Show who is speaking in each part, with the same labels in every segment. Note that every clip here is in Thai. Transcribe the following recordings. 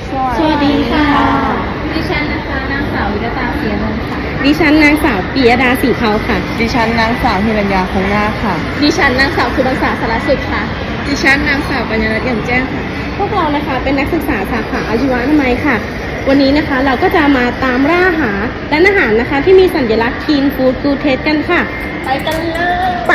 Speaker 1: สวัสดีค่ะ
Speaker 2: ดิฉันนะคะนางสาววิรตาเสียนนท์ค่ะ
Speaker 1: ดิฉันนางสาวปิยดาสีเขาค่ะ
Speaker 3: ดิฉันนางสาวฮิรัญญาคงนาค่ะ
Speaker 2: ดิฉันนางสาวคุณรักษาสารสุขค่ะ
Speaker 3: ดิฉันนางสาวปัญญารัตน์เอี่ยมแจ้งค่ะ
Speaker 1: พวกเรานะคะเป็นนักศึกษาสาขาอาชีวะอนามัยค่ะ วันนี้นะคะเราก็จะมาตามล่าหาร้านอาหารนะคะที่มีสัญลักษณ์ Clean Food Good Taste กันค่ะ
Speaker 2: ไปกันเลย
Speaker 1: ไป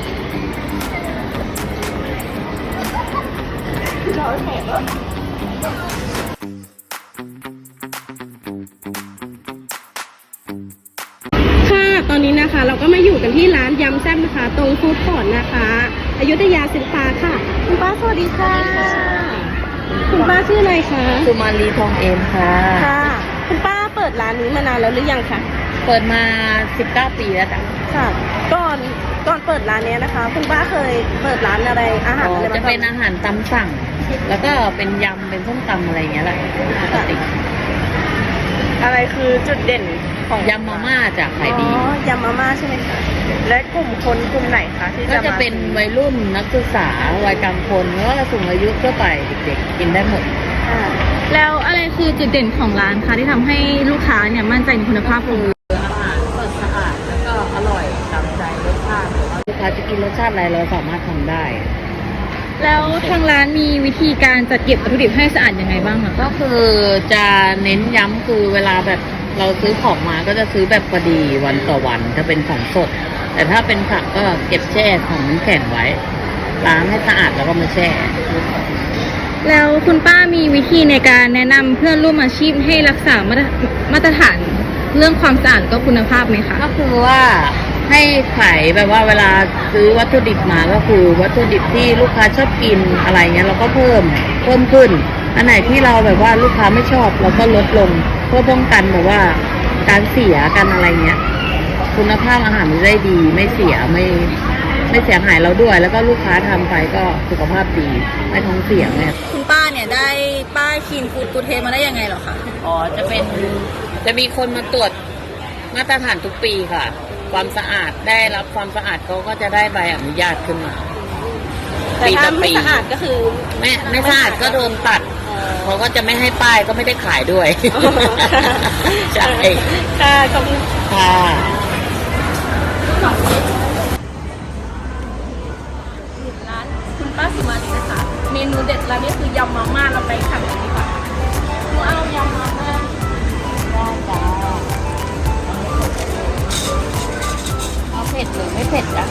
Speaker 1: ค่ะตอนนี้นะคะเราก็มาอยู่กันที่ร้านยำแซ่บนะคะตรงฟู้ดคอร์ทนะคะอยุธยาศิลปาค่ะคุณป้าสวัสดีค่ะ คุณป้าชื่ออะไรคะ
Speaker 3: สุมาลีทองเอมค่ะ
Speaker 1: ค่ะ คุณป้าเปิดร้านนี้มานานแล้วหรือยังคะ
Speaker 3: เปิดมา 19 ปีแล้วจ้ะ
Speaker 1: ค่ะก่อนเปิดร้านเนี้ยนะคะ คุณป้าเคยเปิดร้านอะไรอาหารอะไร
Speaker 3: จะ
Speaker 1: มา
Speaker 3: เป็นอาหารตำสั่ง แล้วก็เป็นยำ เป็นส้มตำอะไรอย่างเงี้ยแหละปกติ
Speaker 1: อะไรคือจุดเด่นของ
Speaker 3: ยำมาม่าจากขายดี
Speaker 1: อ๋อยำมาม่าใช่ไหมคะและกลุ่มคนกลุ่มไหนคะที่
Speaker 3: ก็จะเป็นวัยรุ่นนักศึกษาวัยกลางคนหรือว่าสูงอายุทั่วไปเด็กๆกินได้หมด
Speaker 1: ค่ะ
Speaker 2: แล้วอะไรคือจุดเด่นของร้านคะที่ทำให้ลูกค้าเนี่ยมั่นใจในคุณภาพของ
Speaker 3: อาหารสดสะอาดแล้วก็อร่อยตามใจรสชาติลูกค้าจะกินรสชาติอะไรเราสามารถทำได้
Speaker 2: แล้วทางร้านมีวิธีการจัดเก็บวัตถุดิบให้สะอาดยังไงบ้างคะ
Speaker 3: ก็คือจะเน้นย้ำคือเวลาแบบเราซื้อของมาก็จะซื้อแบบพอดีวันต่อวันจะเป็นของสด แต่ถ้าเป็นผักก็เก็บแช่ของน้ำแข็งไว้ล้างให้สะอาดแล้วก็มาแช่
Speaker 2: แล้วคุณป้ามีวิธีในการแนะนำเพื่อนร่วมอาชีพให้รักษามาตรฐานเรื่องความสะอาดและก็คุณภาพไหมคะ
Speaker 3: ก็คือว่าให้ขายแบบว่าเวลาซื้อวัตถุดิบมาก็คือวัตถุดิบที่ลูกค้าชอบกินอะไรเงี้ยเราก็เพิ่มขึ้นอันไหนที่เราแบบว่าลูกค้าไม่ชอบเราก็ลดลงเพื่อป้องกันแบบว่าการเสียกันอะไรเงี้ยคุณภาพอาหารมันได้ดีไม่เสียไม่เสียหายเราด้วย แล้วก็ลูกค้าทำไปก็สุขภาพดีไม่ท้องเสียเนี่ย
Speaker 2: คุณป้าเนี่ยได้ป้ายคีนฟูดกูเทสมาได้ยังไงเหรอคะ
Speaker 3: อ๋อจะมีคนมาตรวจมาตรฐานทุกปีค่ะ ความสะอาดได้รับความสะอาดเขาก็จะได้ใบอนุญาตขึ้นมา
Speaker 1: แต่ถ้าไม่สะอาดก็คือ
Speaker 3: ไม่สะอาดก็โดนตัดเขาก็จะไม่ให้ป้ายก็ไม่ได้ขายด้วยใช่
Speaker 1: ค่ะขอบคุณ
Speaker 3: ค่ะ
Speaker 2: ร้านคุณป้าสุมาลีนะคะ เมนูเด็ดร้านนี้คือยำมาม่าเราไปทำกันดีกว่าหนูเอายำมาม่า
Speaker 3: ได้จ้าเอาเผ็ดหรือไม่เผ็ดจ้ะ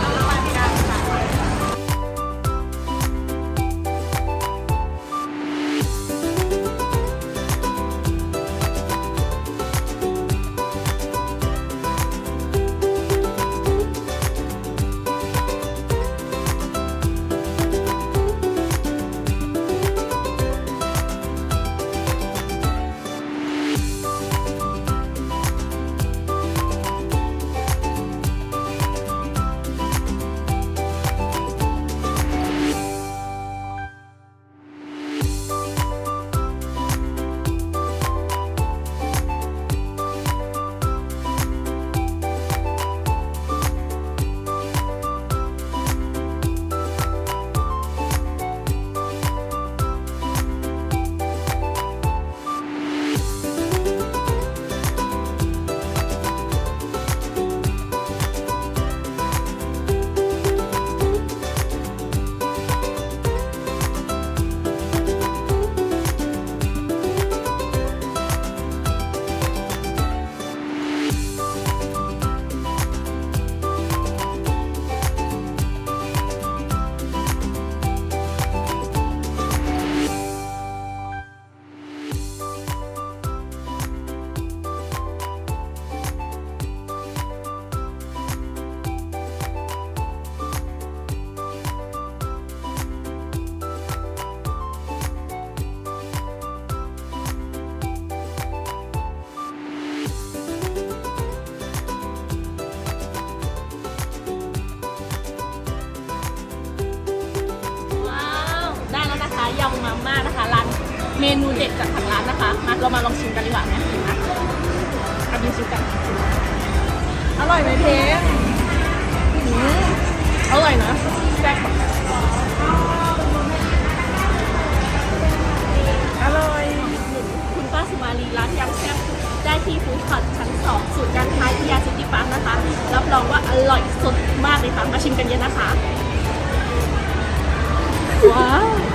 Speaker 2: ว้าวได้แล้วนะคะยำมาม่านะคะร้านเมนูเด็ดจากทางร้านนะคะมาเรามาลองชิมกันดีกว่าไหมนะเอาดูชิมกันอร่อยไหมเพมอร่อยนะแซ่บอร่อยที่ฟู้ดคอร์ทชั้น 2ศูนย์การค้าอิยาซิตี้พาร์คนะคะรับรองว่าอร่อยสดมากเลยค่ะมาชิมกันเยอะนะคะว้าว